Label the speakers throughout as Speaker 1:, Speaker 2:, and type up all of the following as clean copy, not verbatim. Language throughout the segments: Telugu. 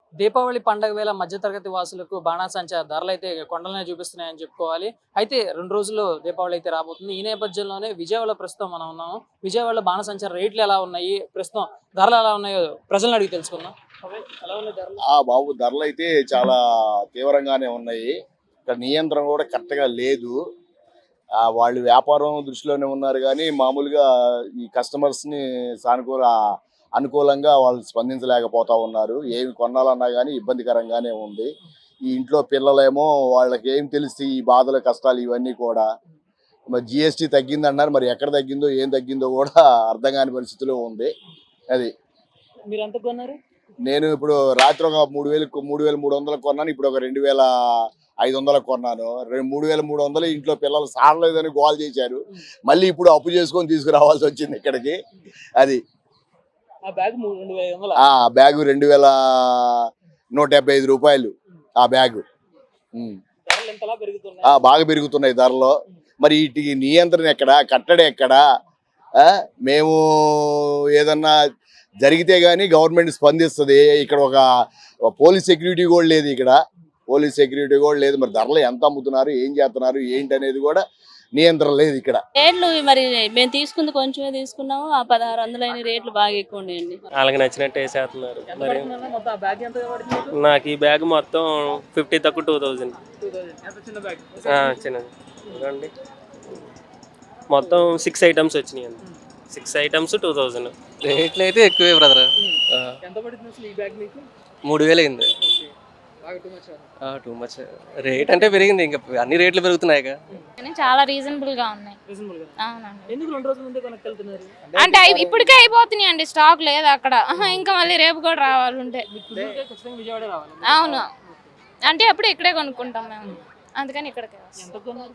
Speaker 1: దీపావళి పండగ వేళ మధ్యతరగతి వాసులకు బాణాసంచా ధరలు అయితే కొండలనే చూపిస్తున్నాయని చెప్పుకోవాలి. అయితే 2 రోజుల్లో దీపావళి అయితే రాబోతుంది. ఈ నేపథ్యంలోనే విజయవాడలో ప్రస్తుతం మనం ఉన్నాము. విజయవాడలో బాణాసంచా రేట్లు ఎలా ఉన్నాయి? ప్రస్తుతం ధరలు ఎలా ఉన్నాయో ప్రజలను అడిగి తెలుసుకుందాం. ఎలా ఉన్నాయి ధరలు?
Speaker 2: బాబు ధరలైతే చాలా తీవ్రంగానే ఉన్నాయి. ఇక్కడ నియంత్రణ కూడా కరెక్ట్‌గా లేదు. వాళ్ళు వ్యాపారం దృష్టిలోనే ఉన్నారు గానీ, మామూలుగా ఈ కస్టమర్స్‌ని అనుకూలంగా వాళ్ళు స్పందించలేకపోతా ఉన్నారు. ఏమి కొనాలన్నా గానీ ఇబ్బందికరంగానే ఉంది. ఈ ఇంట్లో పిల్లలేమో వాళ్ళకేం తెలుసు ఈ బాధలు, కష్టాలు ఇవన్నీ కూడా. మరి జీఎస్టీ తగ్గిందన్నారు. మరి ఎక్కడ తగ్గిందో, ఏం తగ్గిందో కూడా అర్థం కాని పరిస్థితిలో ఉంది. అది.
Speaker 1: మీరెంత కొన్నారు?
Speaker 2: నేను ఇప్పుడు రాత్రి ఒక 3,300 కొన్నాను. ఇప్పుడు ఒక 2,500 కొన్నాను. 3,300 ఇంట్లో పిల్లలు సారలేదని గోల చేశారు. మళ్ళీ ఇప్పుడు అప్పు చేసుకొని తీసుకురావాల్సి వచ్చింది ఇక్కడికి. అది
Speaker 1: ఆ బ్యాగ్ 2,500.
Speaker 2: బ్యాగు 2,175 రూపాయలు ఆ బ్యాగు.
Speaker 1: ధరలు ఎంతలా పెరుగుతున్నాయి?
Speaker 2: బాగా పెరుగుతున్నాయి ధరలు. మరి వీటికి నియంత్రణ ఎక్కడ, కట్టడి ఎక్కడ? మేము ఏదన్నా జరిగితే గానీ గవర్నమెంట్ స్పందిస్తుంది. ఇక్కడ ఒక పోలీస్ సెక్యూరిటీ కూడా లేదు. మరి ధరలు ఎంత అమ్ముతున్నారు, ఏం చేస్తున్నారు, ఏంటి అనేది కూడా నియంత్రణ లేదు ఇక్కడ.
Speaker 3: రేట్లు మరి మేము తీసుకుంది కొంచెమే తీసుకున్నాము. ఆ 1600 అయిన రేట్లు బాగా ఎక్కువ ఉన్నాయండి.
Speaker 4: వాళ్ళకి నచ్చినట్టు వేసేస్తున్నారు. మరి
Speaker 1: మొత్తం ఆ బ్యాగ్ ఎంత పడుతుంది?
Speaker 4: నాకు ఈ బ్యాగ్ మొత్తం 50 తక్కువ 2000.
Speaker 1: ఎంత చిన్న బ్యాగ్?
Speaker 4: చిన్నది చూడండి. మొత్తం 6 ఐటమ్స్ వచ్చినాయి అండి. 6 ఐటమ్స్ 2000.
Speaker 5: రేట్లు అయితే ఎక్కువే బ్రదర్.
Speaker 1: ఎంత పడుతుంది అసలు ఈ బ్యాగ్ మీకు?
Speaker 5: 3000 అయింది. టూ మచ్ రేట్ అంటే పెరిగింది. ఇంకా అన్ని రేట్లు పెరుగుతున్నాయి.
Speaker 6: చాలా రీజనబుల్ గా ఉన్నాయి.
Speaker 1: అవునండి. ఎందుకు 2 రోజుల ముందే కొనుక్కెళ్తున్నారు?
Speaker 6: అంటే ఇప్పటికే అయిపోతున్నాయి అండి, స్టాక్ లేదు అక్కడ. ఇంకా మళ్ళీ రేపు కూడా రావాలి ఉంటే.
Speaker 1: విజయవాడ రావాలి.
Speaker 6: అవును, అంటే అప్పుడు ఇక్కడే కొనుక్కుంటాం మేము, అందుకని ఇక్కడికే
Speaker 1: ఎంత కొన్నారు?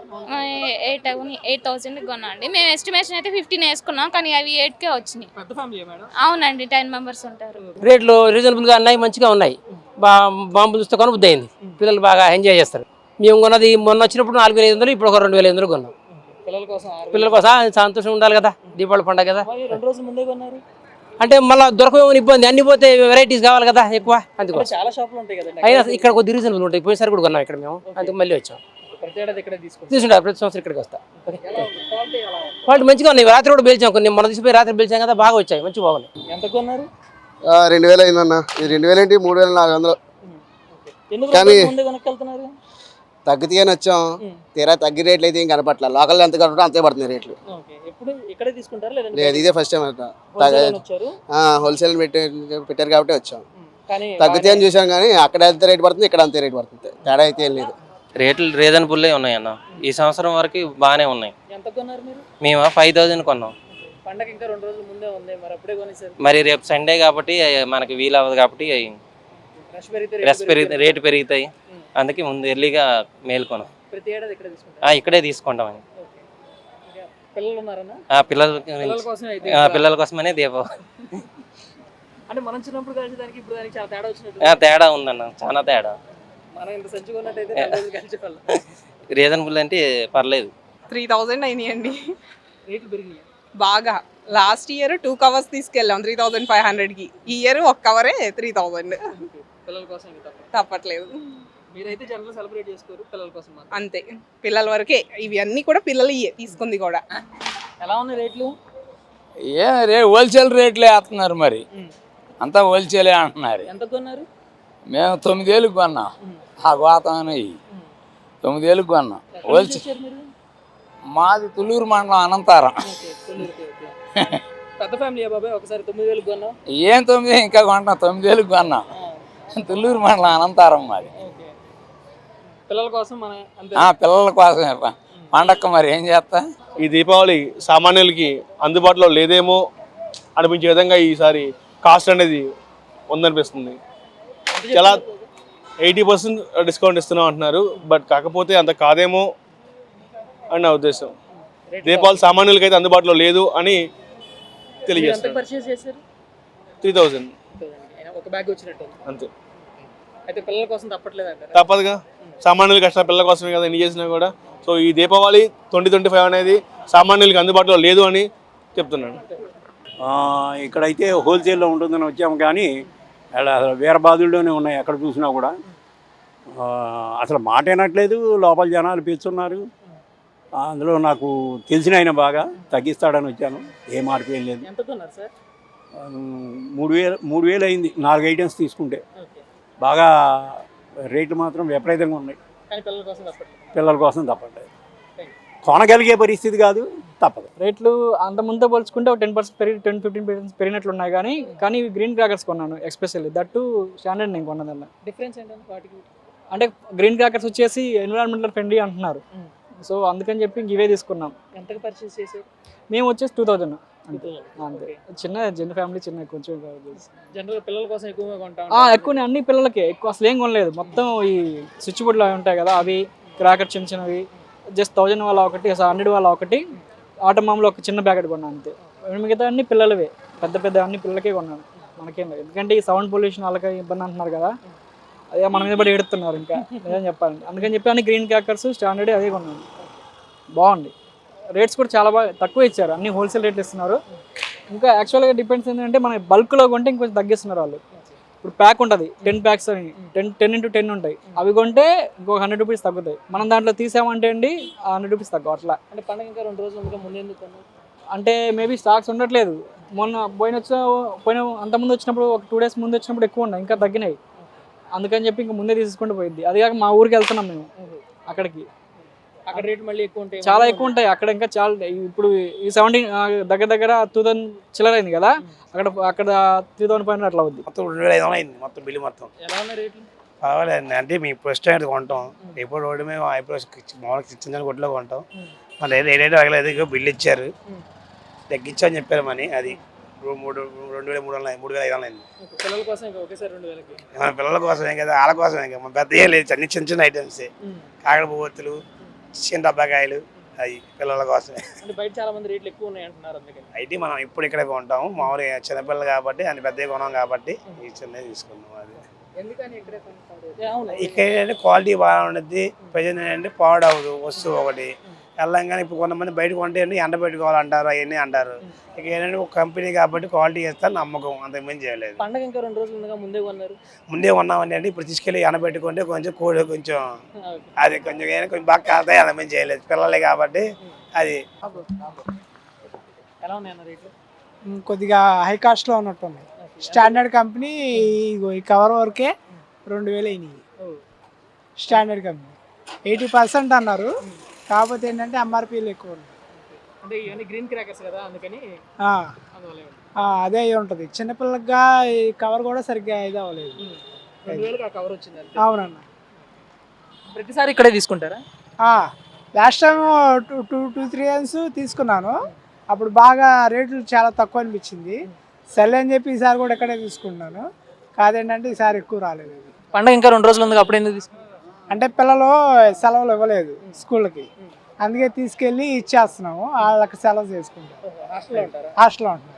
Speaker 6: 8,000 కొన్నా అండి. మేము ఎస్టిమేషన్ అయితే 15 వేసుకున్నాం, కానీ అవి 8కే వచ్చినాయి.
Speaker 1: పెద్ద ఫ్యామిలీ మేడం?
Speaker 6: అవునండి, 10 మెంబర్స్ ఉంటారు.
Speaker 7: రేట్లు రీజనబుల్గా ఉన్నాయి, మంచిగా ఉన్నాయి. బాంబులు చూస్తే కొన బుద్ధి అయింది. పిల్లలు బాగా ఎంజాయ్ చేస్తారు. మేము కొన్నది మొన్న వచ్చినప్పుడు 4,500, ఇప్పుడు ఒక 2,500 కొన్నాం. పిల్లల కోసం సంతోషం ఉండాలి కదా, దీపావళి పండుగ కదా.
Speaker 1: 2 రోజుల ముందే కొన్నారు
Speaker 7: అంటే మళ్ళీ దొరకమని ఇబ్బంది, అన్ని పోతే వెరైటీస్ కావాలి కదా ఎక్కువ, అందుకో
Speaker 1: చాలా షాపులు ఉంటాయి కదా.
Speaker 7: అయినా ఇక్కడ కొద్ది రీజనబుల్ ఉంటాయి. పోయినసారి కూడా కొన్నాం ఇక్కడ మేము, అందుకు మళ్ళీ వచ్చాం.
Speaker 1: ప్రతి ఏడాది ఇక్కడ
Speaker 7: తీసుకుంటాం, ప్రతి సంవత్సరం ఇక్కడికి వస్తా. క్వాలిటీ మంచిగా ఉన్నాయి. రాత్రి కూడా పిలిచాం, కొన్ని మొన్న తీసిపోయి రాత్రి పిలిచాం కదా, బాగా వచ్చాయి, మంచి బాగున్నాయి.
Speaker 1: ఎంత కొన్నారు?
Speaker 5: 2000 అయిందన్న. ఇది 2000 ఏంటి 3,400. కానీ తగ్గితేనే వచ్చాం. తీరా తగ్గి రేట్లు అయితే ఏం కనపట్ల. లోకల్ ఎంత కనపడ అంతే పడుతున్నాయి రేట్లు. లేదు, ఇదే ఫస్ట్ టైం హోల్సేల్ పెట్టారు కాబట్టి వచ్చాం. తగ్గితే అని చూసాం, కానీ అక్కడ ఎంత రేట్ పడుతుంది, ఇక్కడ అంతే రేట్ పడుతుంది. తేడా అయితే ఏం లేదు.
Speaker 4: రేట్లు రీజనబుల్లే ఉన్నాయి అన్న. ఈ సంవత్సరం వరకు బాగానే ఉన్నాయి. మేము 5,000 కొన్నాం. మరి రేపు సండే కాబట్టి మనకి వీలు అవ్వదు కాబట్టి రేటు పెరుగుతాయి. అందుకే ముందు ఎర్లీగా మేల్కొన్నాం. ఇక్కడే తీసుకుంటామని. పిల్లల కోసమనే దీపావళి. తేడా ఉందన్న, చాలా తేడా. రీజనబుల్ అంటే పర్లేదు.
Speaker 8: 3,000 అయినాయండి బాగా. లాస్ట్ ఇయర్ 2 కవర్స్ తీసుకెళ్ళాం 3,500కి. ఈ ఇయర్ 1 కవరే 3,000. తప్పట్లేదు. అంతే, పిల్లల వరకే. ఇవి అన్ని కూడా పిల్లలు తీసుకుంది కూడా.
Speaker 1: ఎలా ఉన్నాయి రేట్లు?
Speaker 9: హోల్సేల్ రేట్లే వేస్తున్నారు. మరి అంతా హోల్సేలే అంటున్నారు.
Speaker 1: ఎంత కొన్నారు?
Speaker 9: మేము 9,000 కొన్నాం. ఆ గోతాన్ని 9,000 కొన్నాం. హోల్సేల్ మాది తుళ్ళూరు మండలం, అనంతారం.
Speaker 1: పెద్ద ఫ్యామిలీ బాబాయ్. ఒకసారి 9,000 కొన్నాం.
Speaker 9: ఏం 9 ఇంకా కొంటాం, 9,000 కొన్నాం. తుళ్ళూరు మండలం, అనంతారం మాది.
Speaker 1: పిల్లల కోసం
Speaker 9: పిల్లల కోసమే పండక్క. మరి ఏం చేస్తా.
Speaker 10: ఈ దీపావళి సామాన్యులకి అందుబాటులో లేదేమో అనిపించే విధంగా ఈసారి కాస్ట్ అనేది ఉందనిపిస్తుంది. చాలా 80% డిస్కౌంట్ ఇస్తున్నాం అంటున్నారు. బట్ కాకపోతే అంత కాదేమో అని నా ఉద్దేశం. దీపావళి సామాన్యులకి అయితే అందుబాటులో లేదు అని తెలియజేస్తారు. 3,000 అంతే.
Speaker 1: అయితే పిల్లల కోసం
Speaker 10: తప్పదుగా. సామాన్యుల కష్ట పిల్లల కోసమే కదా ఎన్ని చేసినా కూడా. సో ఈ దీపావళి 2025 అనేది సామాన్యులకి అందుబాటులో లేదు అని చెప్తున్నాను.
Speaker 11: ఇక్కడైతే హోల్సేల్లో ఉంటుందని వచ్చాము, కానీ అసలు వీరబాదుల్లోనే ఉన్నాయి ఎక్కడ చూసినా కూడా. అసలు మాట వినట్లేదు, లోపల జనాలు పీల్చున్నారు. అందులో నాకు తెలిసిన ఆయన బాగా తగ్గిస్తాడని వచ్చాను. ఏ మార్పు ఏం లేదు.
Speaker 1: ఎంత కొన్నారు సార్?
Speaker 11: 3,000 అయింది 4 ఐటమ్స్ తీసుకుంటే. బాగా రేట్లు మాత్రం విపరీతంగా ఉన్నాయి.
Speaker 1: కానీ పిల్లల కోసం తప్పట్లేదు.
Speaker 11: పిల్లల కోసం తప్పట్లేదు. కొనగలిగే పరిస్థితి కాదు, తప్పదు.
Speaker 12: రేట్లు అంత ముందుతో పోల్చుకుంటే ఒక 10% పెరిగి 10-15% పెరిగినట్లు ఉన్నాయి. కానీ ఇవి గ్రీన్ క్రాకర్స్ కొన్నాను ఎక్స్పెషల్లీ. దట్టు స్టాండర్డ్ నేను కొన్నదల్లా.
Speaker 1: డిఫరెన్స్ ఏంటంటే వాటికి
Speaker 12: అంటే గ్రీన్ క్రాకర్స్ వచ్చేసి ఎన్విరాన్మెంటల్ ఫ్రెండ్లీ అంటున్నారు. సో అందుకని చెప్పి ఇంక ఇవే తీసుకున్నాం.
Speaker 1: ఎంతకు పర్చేస్ చేసారు?
Speaker 12: మేము వచ్చేసి 2000 అంతే. చిన్న ఫ్యామిలీ, కొంచెం
Speaker 1: జనరల్ పిల్లల కోసం ఎక్కువగా కొంటాం.
Speaker 12: ఎక్కువ అన్ని పిల్లలకే, ఎక్కువ అసలు ఏం కొనలేదు. మొత్తం ఈ స్విచ్ బోర్డులు అవి ఉంటాయి కదా, అవి క్రాకర్ చిన్నవి జస్ట్ 1000 వాళ్ళ ఒకటి, 100 వాళ్ళ ఒకటి, ఆటోమామ్లో ఒక చిన్న ప్యాకెట్ కొన్నాను అంతే. మిగతా అన్ని పిల్లలవే, పెద్ద అన్ని పిల్లలకే కొన్నాను. మనకేం లేదు, ఎందుకంటే ఈ సౌండ్ పొల్యూషన్ వాళ్ళకి ఇబ్బంది అంటున్నారు కదా, అదే మన మీద పడి ఎడుతున్నారు. ఇంకా ఏం చెప్పాలండి, అందుకని చెప్పి అన్ని గ్రీన్ క్రాకర్స్ స్టాండర్డ్ అదే కొన్నాను. బాగుంది. రేట్స్ కూడా చాలా బాగా తక్కువ ఇచ్చారు, అన్ని హోల్సేల్ రేట్లు ఇస్తున్నారు. ఇంకా యాక్చువల్గా డిపెండ్స్ ఏంటంటే మన బల్క్లో కొంటే ఇంకొంచెం తగ్గిస్తున్నారు వాళ్ళు. ఇప్పుడు ప్యాక్ ఉంటుంది 10 ప్యాక్స్ అని 10x10 ఉంటాయి. అవి కొంటే ఇంకొక 100 రూపీస్ తగ్గుతాయి. మనం దాంట్లో తీసామంటే అండి 100 రూపీస్ తక్కువ అట్లా.
Speaker 1: అంటే పండుగ ఇంకా 2 రోజులు ముందు ముందు ఎందుకు కొన్నారు?
Speaker 12: అంటే మేబీ స్టాక్స్ ఉండట్లేదు. పోయిన అంతకుముందు వచ్చినప్పుడు ఒక 2 డేస్ ముందు వచ్చినప్పుడు ఎక్కువ ఉన్నాయి, ఇంకా తగ్గినాయి. అందుకని చెప్పి ఇంకా ముందే తీసుకుంటూ పోయింది. అది కాక మా ఊరికి వెళ్తున్నాం మేము, అక్కడికి
Speaker 1: అక్కడ రేట్ మళ్ళీ ఎక్కువ ఉంటాయి,
Speaker 12: చాలా ఎక్కువ ఉంటాయి అక్కడ. ఇంకా చాలా ఇప్పుడు ఈ 17 దగ్గర 2000 చిల్లర అయింది కదా, అక్కడ 3000 పైన అట్లా అవుద్ది.
Speaker 13: మొత్తం 2500 అయింది మొత్తం బిల్లు మొత్తం.
Speaker 1: ఎలా ఉన్నాయి రేట్లు?
Speaker 13: పర్వాలేదు అంటే మేము ఫస్ట్ టైం కొంటాం. ఎప్పుడు రోడ్డు మేము మామూలుగా చిన్న కొట్లో కొంటాం. మళ్ళీ రేట్ అడగలేదు, బిల్లు ఇచ్చారు, తగ్గించని చెప్పారు. మనీ అది 3,500 అయింది.
Speaker 1: పిల్లల కోసం ఇంకా ఒకేసారి 2000కి.
Speaker 13: మన పిల్లల కోసమే కదా, వాళ్ళ కోసమే కదా, మన పెద్ద ఏం లేదు, అన్ని చిన్న ఐటమ్సే. కాకడ పువ్వొత్తులు, చిన్న డబ్బాకాయలు, అవి పిల్లల కోసమే.
Speaker 1: అంటే బయట చాలా మంది రేట్లు ఎక్కువ ఉన్నాయి అంటున్నారు, అందుకని
Speaker 13: అయితే మనం ఇప్పుడు ఇక్కడే కొంటాము. మామూలుగా చిన్నపిల్లలు కాబట్టి అన్ని పెద్దవి కొనాం కాబట్టి ఈ చిన్నవి తీసుకున్నాం. అది
Speaker 1: ఎందుకని ఇక్కడే కొంటారు?
Speaker 13: ఇక్కడ ఏంటంటే క్వాలిటీ బాగా ఉంటుంది, ప్రజెంట్ ఏంటంటే పాడవదు వస్తువు ఒకటి. వెళ్ళంగానే ఇప్పుడు కొంతమంది బయట కొంటే ఎండ పెట్టుకోవాలంటారు, అవన్నీ అంటారు. ఇక ఏంటంటే ఒక కంపెనీ కాబట్టి క్వాలిటీ చేస్తాను నమ్మకం, అంతకుమించి చేయలేదు.
Speaker 1: పండుగ ఇంకా 2 రోజులు ఉండగా ముందే కొన్నారు?
Speaker 13: ముందే కొన్నామని అంటే ఇప్పుడు తీసుకెళ్ళి ఎండ పెట్టుకుంటే కొంచెం కోడి కొంచెం అది కొంచెం బాగా కాస్తాయి, అంతకుమించి చేయలేదు. పిల్లలే కాబట్టి అది.
Speaker 1: ఎలా ఉన్నాయి అన్న రేట్లు?
Speaker 14: కొద్దిగా హై కాస్ట్లో ఉన్నట్టుంది. స్టాండర్డ్ కంపెనీ ఈ కవర్ వరకే 2000 అయినాయి. స్టాండర్డ్ కంపెనీ 80% అన్నారు, కాకపోతే ఏంటంటే ఎంఆర్పీలు ఎక్కువ ఉన్నాయి.
Speaker 1: అంటే ఇవన్నీ గ్రీన్ క్రాకర్స్ కదా, అందుకని
Speaker 14: అదే అయి ఉంటుంది. చిన్నపిల్లగా ఈ కవర్ కూడా సరిగ్గా ఇది అవ్వలేదు.
Speaker 1: 2000కి ఆ కవర్ వచ్చింది.
Speaker 14: అవునన్న.
Speaker 1: ప్రతిసారి ఇక్కడే తీసుకుంటారా?
Speaker 14: లాస్ట్ టైం 2-3 ఇయర్స్ తీసుకున్నాను, అప్పుడు బాగా రేట్లు చాలా తక్కువ అనిపించింది. సరే అని చెప్పి ఈసారి కూడా ఇక్కడే తీసుకున్నాను. కాదేంటంటే ఈసారి ఎక్కువ రాలేదు.
Speaker 1: పండుగ ఇంకా 2 రోజులు ఉంది, అప్పుడు ఎందుకు తీసుకున్నారు?
Speaker 14: అంటే పిల్లలు సెలవులు ఇవ్వలేదు స్కూల్కి, అందుకే తీసుకెళ్ళి ఇచ్చేస్తున్నాము. వాళ్ళకి సెలవు చేసుకుంటాం. హాస్టల్లో ఉంటున్నారు.